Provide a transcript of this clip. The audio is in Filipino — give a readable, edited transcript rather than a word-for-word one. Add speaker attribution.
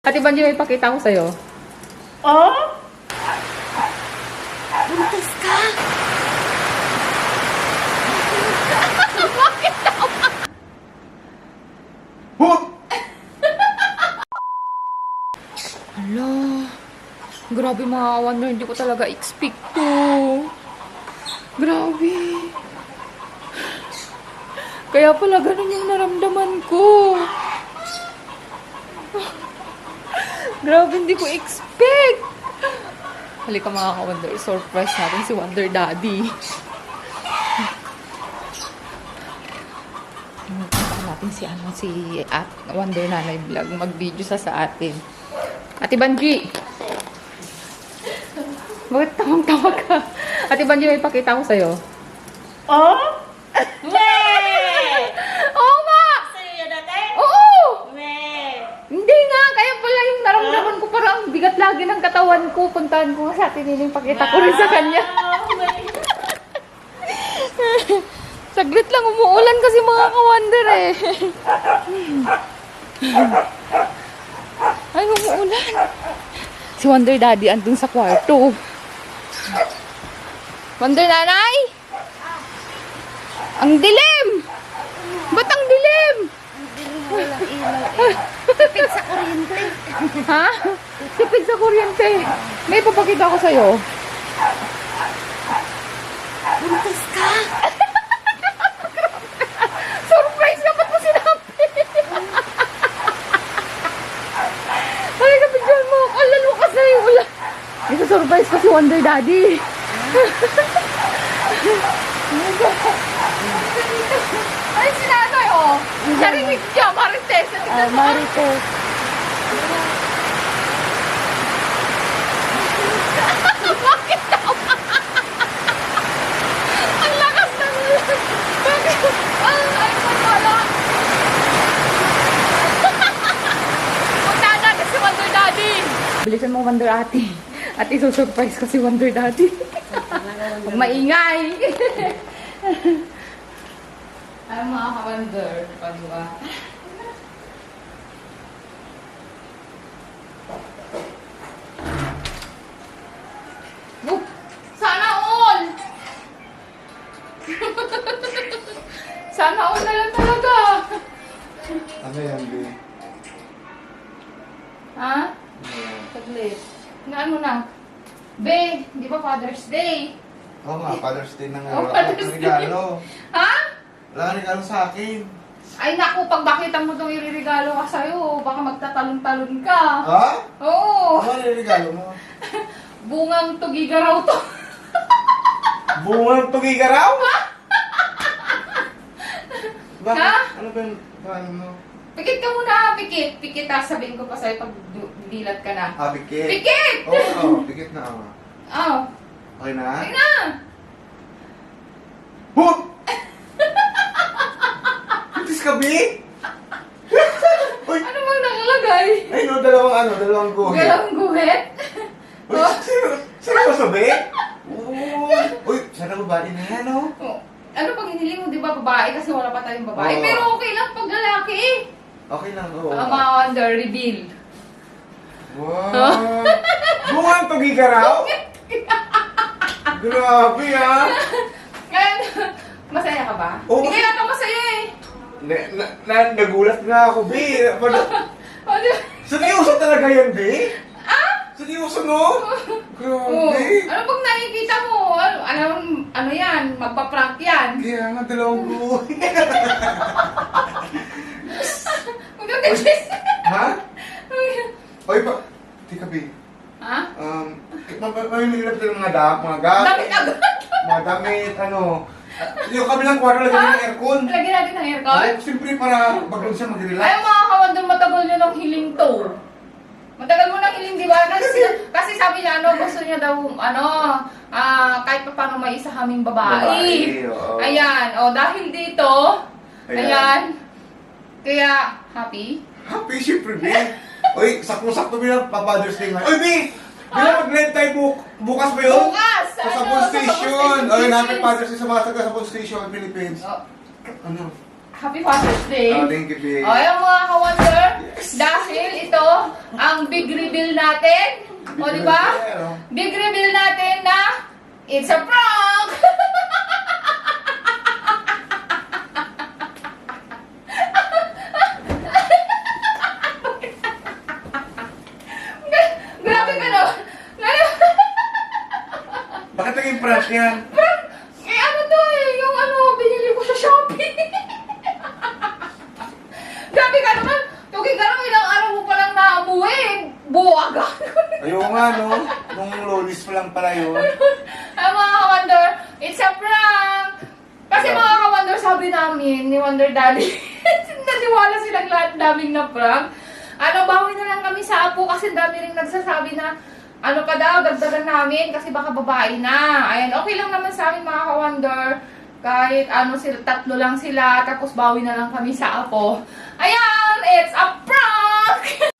Speaker 1: Ate Banji, may pakita ko sa'yo.
Speaker 2: Oh? Buntis ka?
Speaker 1: Bakit naman? Hala. Grabe mga ka-wonder, hindi ko talaga expect to. Grabe. Kaya pala ganun yung naramdaman ko. Grabe, hindi ko expect. Halika mga ka-wonder, surprise natin si Wonder Daddy. Punta natin si Wonder Nanay Vlog. Mag-video sa atin. Ate Banji! Bakit tawang-tawag ka? Ate Banji, may pakita ko sa'yo.
Speaker 2: Oh? Weh!
Speaker 1: Oo nga!
Speaker 2: Sa'yo yan dati?
Speaker 1: Oo!
Speaker 2: Weh!
Speaker 1: Hindi nga! Kaya pala yung naramdaman ko parang bigat lagi ng katawan ko. Puntahan ko sa atin yung pakita ko rin sa kanya. Saglit lang, umuulan kasi mga ka-wonder eh. Ay, umuulan. Si Wonder Daddy andun sa kwarto. Wonder Nanay! Ang dilim! Ba't ang dilim?
Speaker 2: Walang ilaw eh. Tipid sa kuryente.
Speaker 1: Ha? Tipid sa kuryente. May papakita ko sa'yo.
Speaker 2: Buntis ka?
Speaker 1: Surprise ka! Ba't mo sinabi? Halika, picture mo. Lalo ka sa'yo. Ito surprise ko si Wonder Daddy. Ay, sinanay, oh. Narinig siya, Marites.
Speaker 2: Marites.
Speaker 1: Bakit naman? Ang lakas ng ulan. Bakit? Ay, wala. Punta natin si Wonder Daddy. Bilisan mo, Wonder Ate. At isusurprise ko si Wonder Daddy. Huwag maingay. Ay, mga ka-wonder. Diba? Sana all! Sana all na lang talaga.
Speaker 3: Ano yan, B?
Speaker 1: Ha? Saglit. Na ano na? Be, di ba Father's Day?
Speaker 3: Oo nga, Father's Day na nga.
Speaker 1: Oh,
Speaker 3: Wala
Speaker 1: Father's
Speaker 3: kang regalo.
Speaker 1: Ha?
Speaker 3: Wala kang regalo sa akin.
Speaker 1: Ay naku, pag bakita mo itong iririgalo ka sa'yo, baka magtatalon-talon ka.
Speaker 3: Ha?
Speaker 1: Oo.
Speaker 3: Ano yung regalo mo?
Speaker 1: Bungang tugiga raw to.
Speaker 3: Bungang tugigaraw? Bakit?
Speaker 1: Ha?
Speaker 3: Ano ba yung paano mo?
Speaker 1: Pikit ka muna, pikit. Pikit ha, sabihin ko pa sa'yo pag dilat ka na.
Speaker 3: Ah, pikit.
Speaker 1: Pikit!
Speaker 3: Oo, pikit na ako.
Speaker 1: Oh,
Speaker 3: Okay na?
Speaker 1: ay na.
Speaker 3: Hoot! Buntis ka, B? Uy!
Speaker 1: Ano bang nakalagay?
Speaker 3: Ay, no, dalawang guhit.
Speaker 1: Galang guhit?
Speaker 3: Uy,
Speaker 1: Oh.
Speaker 3: sino ba sabi? Uy, sana babae na yan, oh.
Speaker 1: Oh, ano pag hiniling mo, di ba, babae? Kasi wala pa tayong babae.
Speaker 3: Oo.
Speaker 1: Pero okay lang pag lalaki eh.
Speaker 3: Okay lang, oo.
Speaker 1: Mga wonder, reveal.
Speaker 3: Wow! Bungang tugigaraw? Grabe, ah!
Speaker 1: Ngayon, masaya ka ba?
Speaker 3: Oo.
Speaker 1: Hindi kaya ka masaya eh.
Speaker 3: Nagulat nga ako, B.
Speaker 1: O, di ba?
Speaker 3: Seryoso talaga yan, B?
Speaker 1: Ah?
Speaker 3: Seryoso, no?
Speaker 1: Oo.
Speaker 3: Grabe.
Speaker 1: Ano pag nakikita mo? Ano yan? Magpa-prank yan.
Speaker 3: Kaya nga, dalawang buhay.
Speaker 1: Magkakachis.
Speaker 3: Ha? Oy, tika, B.
Speaker 1: Ha?
Speaker 3: Mamimigilap tayo ng mga gamit.
Speaker 1: Damit agad.
Speaker 3: Mga damit, ano. Yung kabilang kwarto lagyan ng aircon.
Speaker 1: Lagyan natin ng aircon?
Speaker 3: Oo, siyempre para baglong siya
Speaker 1: Ay,
Speaker 3: mag-relax.
Speaker 1: mga kawandong matagal nyo ng hiling to. Matagal mo ng hiling, di ba? Kasi sabi niya, gusto niya daw, kahit pa paano may isa kaming babae.
Speaker 3: Babae, oo.
Speaker 1: Ayan, dahil dito, ayan, kaya, happy?
Speaker 3: Happy, siyempre, B. Oy, sakto-sakto bilang pa-Father's Day nga. Oy, B! Bilang mag-rent tayo bukas ba yun?
Speaker 1: Bukas!
Speaker 3: Sa
Speaker 1: ano,
Speaker 3: Sabon Station!
Speaker 1: Sabon
Speaker 3: Oy,
Speaker 1: Station.
Speaker 3: namin Father's Day sa mga taga Sabon Station, Philippines.
Speaker 1: Oh,
Speaker 3: Ano?
Speaker 1: Happy Father's Day.
Speaker 3: Oh, thank you, babe.
Speaker 1: O, yung mga ka-wonder, dahil ito ang big reveal natin. O, di ba? Big reveal natin na it's a prank! Grabe ka no?
Speaker 3: Bakit naging prank yan?
Speaker 1: Eh, ano to eh, yung ano, binili ko sa Shopee. Grabe ka naman, tugi ka naman, ilang araw mo palang naamuwi. Buwaga.
Speaker 3: Ayaw nga, no? Nung lolis pa lang pala yun.
Speaker 1: Ay, mga ka-wonder, it's a prank! Kasi mga ka-wonder, sabi namin ni Wonder Daddy, naniwala silang lahat naming na prank. Ano, bawi na lang kami sa apo kasi dami rin nagsasabi na ano pa daw, dagdagan namin kasi baka babae na. Ayan, okay lang naman sa amin mga ka-wonder. Kahit ano, sila, 3 lang sila, tapos bawi na lang kami sa apo. Ayan, it's a prank!